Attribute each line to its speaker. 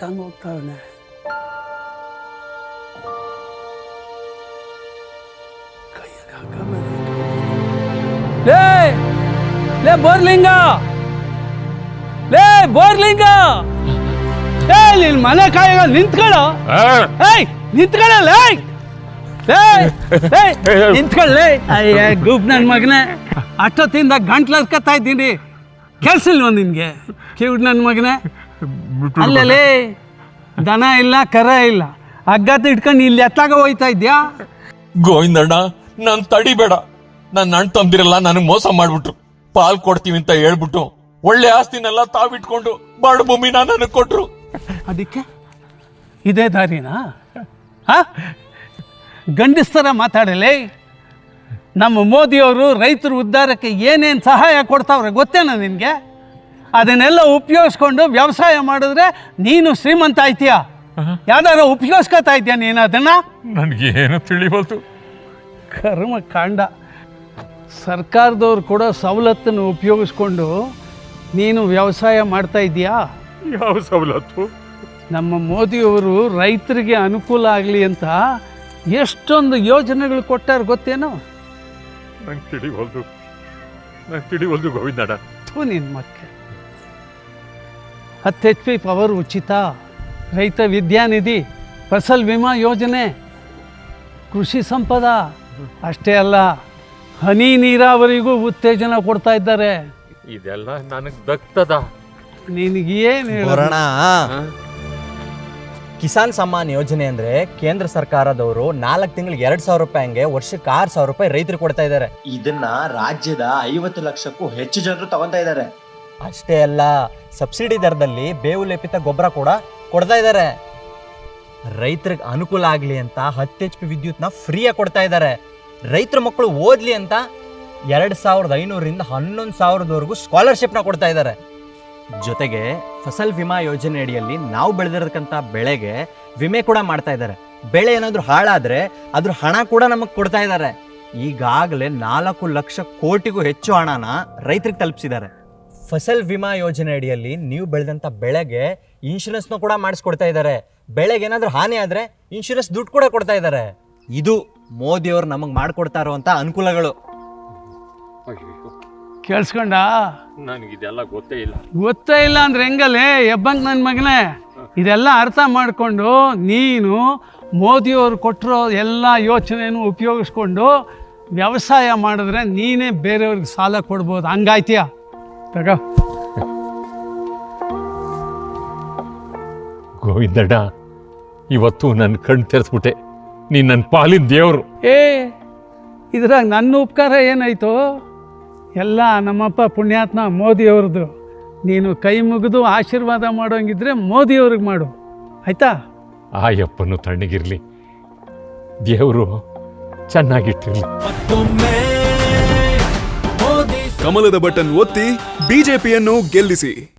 Speaker 1: ನಡ್ಕೊಂಡು ಹೋಗ್ತಾವನೆ. ಲೇ ಲೇ ಬೋರ್ಲಿಂಗ, ಲೇ ಬೋರ್ಲಿಂಗ, ಏ ನಿನ್ ಮನೆ ಕಾಯಿಗ ನಿಂತ್ಕೊಳ್ಳೋ. ಏಯ್ ನಿಂತ್ಕೊಳ್ಳಲ್ಲ, ನಿಂತ್ಕೊಳ್ಳಿ. ಅಯ್ಯ ಗೂಪ್ ನನ್ನ ಮಗನೇ, ಅಷ್ಟೊತ್ತಿಂದ ಗಂಟ್ಲರ್ಕತ್ತಾ ಇದ್ದೀನಿ, ಕೆಲ್ಸಿಲ್ವ ನಿನ್ಗೆ? ಕಿವಿಡ್ ನನ್ನ ಮಗನೇ, ಅಲ್ಲೇ ದನ ಇಲ್ಲ ಕರ ಇಲ್ಲ, ಹಗ್ಗದ ಇಟ್ಕೊಂಡು ಇಲ್ಲಿ ಎತ್ತಾಗ ಹೋಯ್ತಾ ಇದ್ಯಾ?
Speaker 2: ಗೋವಿಂದಣ್ಣ, ನಾನ್ ತಡಿಬೇಡ. ನನ್ನ ಅಣ್ಣ ತಂದಿರಲ್ಲ ನನಗ್ ಮೋಸ ಮಾಡ್ಬಿಟ್ರು. ಪಾಲ್ ಕೊಡ್ತೀವಿ ಅಂತ ಹೇಳ್ಬಿಟ್ಟು ಒಳ್ಳೆ ಆಸ್ತಿನೆಲ್ಲ ತಾವಿಟ್ಕೊಂಡು ಬಾಡು ಭೂಮಿನ ನನಗ್ ಕೊಟ್ರು.
Speaker 1: ಅದಕ್ಕೆ ಇದೇ ದಾರಿನಾ? ಗಂಡಸ್ತರ ಮಾತಾಡಲಿ. ನಮ್ಮ ಮೋದಿಯವರು ರೈತರ ಉದ್ಧಾರಕ್ಕೆ ಏನೇನು ಸಹಾಯ ಕೊಡ್ತಾವ್ರೆ ಗೊತ್ತೇನ ನಿನಗೆ? ಅದನ್ನೆಲ್ಲ ಉಪಯೋಗಿಸ್ಕೊಂಡು ವ್ಯವಸಾಯ ಮಾಡಿದ್ರೆ ನೀನು ಶ್ರೀಮಂತ ಆಯ್ತೀಯ. ಯಾವ್ದಾರ ಉಪಯೋಗಿಸ್ಕೊತಾ ಇದೆಯಾ ನೀನು ಅದನ್ನು?
Speaker 2: ನನಗೇನು ತಿಳಿವಲ್ತು.
Speaker 1: ಕರ್ಮ ಕಾಂಡ. ಸರ್ಕಾರದವ್ರು ಕೊಡೋ ಸವಲತ್ತನ್ನು ಉಪಯೋಗಿಸ್ಕೊಂಡು ನೀನು ವ್ಯವಸಾಯ ಮಾಡ್ತಾ ಇದೀಯಾ?
Speaker 2: ಯಾವ ಸವಲತ್ತು?
Speaker 1: ನಮ್ಮ ಮೋದಿಯವರು ರೈತರಿಗೆ ಅನುಕೂಲ ಆಗಲಿ ಅಂತ ಎಷ್ಟೊಂದು ಯೋಜನೆಗಳು ಕೊಟ್ಟಾರ ಗೊತ್ತೇನೋ?
Speaker 2: ನಂಗೆ ತಿಳಿವಲ್ದು ಗೋವಿಂದಣ್ಣ.
Speaker 1: ನಿನ್ನ ಮಕ್ಕಳು 10 HP ಪವರ್ ಉಚಿತ, ರೈತ ವಿದ್ಯಾನಿಧಿ, ಫಸಲ್ ವಿಮಾ ಯೋಜನೆ, ಕೃಷಿ ಸಂಪದ, ಅಷ್ಟೇ ಅಲ್ಲ ಹನಿ ನೀರಾವರಿಗೂ ಉತ್ತೇಜನ ಕೊಡ್ತಾ ಇದ್ದಾರೆ.
Speaker 2: ಇದೆಲ್ಲ ನನಗೆ ದಕ್ತದ.
Speaker 1: ನಿನಗೇನು
Speaker 3: ಹೇಳೋಣ? ಕಿಸಾನ್ ಸಮ್ಮಾನ್ ಯೋಜನೆ ಅಂದ್ರೆ ಕೇಂದ್ರ ಸರ್ಕಾರದವರು 4 ತಿಂಗಳಿಗೆ 2,000 ರೂಪಾಯಿ ಹಂಗೆ ವರ್ಷಕ್ಕೆ 6,000 ರೂಪಾಯಿ ರೈತರು ಕೊಡ್ತಾ ಇದ್ದಾರೆ.
Speaker 4: ಇದನ್ನ ರಾಜ್ಯದ 50 ಲಕ್ಷಕ್ಕೂ ಹೆಚ್ಚು ಜನರು ತಗೊಂತಾ ಇದ್ದಾರೆ.
Speaker 3: ಅಷ್ಟೇ ಅಲ್ಲ, ಸಬ್ಸಿಡಿ ದರದಲ್ಲಿ ಬೇವು ಲೇಪಿತ ಗೊಬ್ಬರ ಕೂಡ ಕೊಡ್ತಾ ಇದ್ದಾರೆ. ರೈತರಿಗೆ ಅನುಕೂಲ ಆಗ್ಲಿ ಅಂತ 10 HP ವಿದ್ಯುತ್ನ ಫ್ರೀಯಾಗಿ ಕೊಡ್ತಾ ಇದ್ದಾರೆ. ರೈತರ ಮಕ್ಕಳು ಓದ್ಲಿ ಅಂತ 2,500ರಿಂದ 11,000ವರೆಗೂ ಸ್ಕಾಲರ್ಶಿಪ್ನ ಕೊಡ್ತಾ ಇದ್ದಾರೆ. ಜೊತೆಗೆ ಫಸಲ್ ವಿಮಾ ಯೋಜನೆ ಅಡಿಯಲ್ಲಿ ನಾವು ಬೆಳೆದಿರತಕ್ಕಂಥ ಬೆಳೆಗೆ ವಿಮೆ ಕೂಡ ಮಾಡ್ತಾ ಇದ್ದಾರೆ. ಬೆಳೆ ಏನಾದರೂ ಹಾಳಾದ್ರೆ ಅದ್ರ ಹಣ ಕೂಡ ನಮಗೆ ಕೊಡ್ತಾ ಇದ್ದಾರೆ. ಈಗಾಗಲೇ 4 ಲಕ್ಷ ಕೋಟಿಗೂ ಹೆಚ್ಚು ಹಣನ ರೈತರಿಗೆ ತಲುಪಿಸಿದ್ದಾರೆ. ಫಸಲ್ ವಿಮಾ ಯೋಜನೆ ಅಡಿಯಲ್ಲಿ ನೀವು ಬೆಳೆದಂಥ ಬೆಳೆಗೆ ಇನ್ಶೂರೆನ್ಸ್ನ ಕೂಡ ಮಾಡಿಸ್ಕೊಡ್ತಾ ಇದ್ದಾರೆ. ಬೆಳೆಗೆ ಏನಾದರೂ ಹಾನಿ ಆದರೆ ಇನ್ಶೂರೆನ್ಸ್ ದುಡ್ಡು ಕೂಡ ಕೊಡ್ತಾ ಇದ್ದಾರೆ. ಇದು ಮೋದಿಯವರು ನಮಗೆ ಮಾಡಿಕೊಡ್ತಾ ಇರುವಂಥ ಅನುಕೂಲಗಳು.
Speaker 1: ಕೇಳಿಸ್ಕೊಂಡ?
Speaker 2: ನನಗಿದೆಲ್ಲ ಗೊತ್ತೇ
Speaker 1: ಇಲ್ಲ ಅಂದ್ರೆ ಹೆಂಗಲ್ಲೇ ಎಬ್ಬಂಗ್ ನನ್ನ ಮಗನೇ? ಇದೆಲ್ಲ ಅರ್ಥ ಮಾಡಿಕೊಂಡು ನೀನು ಮೋದಿಯವರು ಕೊಟ್ಟಿರೋ ಎಲ್ಲ ಯೋಚನೆಯನ್ನು ಉಪಯೋಗಿಸ್ಕೊಂಡು ವ್ಯವಸಾಯ ಮಾಡಿದ್ರೆ ನೀನೇ ಬೇರೆಯವ್ರಿಗೆ ಸಾಲ ಕೊಡ್ಬೋದು. ಹಂಗಾಯ್ತೀಯ? ತಗೋ.
Speaker 2: ಗೋವಿಂದಣ್ಣ, ಇವತ್ತು ನನ್ನ ಕಣ್ಣು ತೆರೆಸ್ಬಿಟ್ಟೆ. ನೀನು ನನ್ನ ಪಾಲಿನ ದೇವರು.
Speaker 1: ಇದ್ರಾಗ ನನ್ನ ಉಪಕಾರ ಏನಾಯ್ತು? ಎಲ್ಲ ನಮ್ಮಪ್ಪ ಪುಣ್ಯಾತ್ಮ ಮೋದಿಯವ್ರದ್ದು. ನೀನು ಕೈ ಮುಗಿದು ಆಶೀರ್ವಾದ ಮಾಡೋಂಗಿದ್ರೆ ಮೋದಿಯವ್ರಿಗೆ ಮಾಡು, ಆಯ್ತಾ?
Speaker 2: ಆಯಪ್ಪನು ತಣ್ಣಗಿರ್ಲಿ, ದೇವರು ಚೆನ್ನಾಗಿಟ್ಟಿರ್ಲಿ.
Speaker 5: ಕಮಲದ ಬಟನ್ ಒತ್ತಿ ಬಿಜೆಪಿಯನ್ನು ಗೆಲ್ಲಿಸಿ.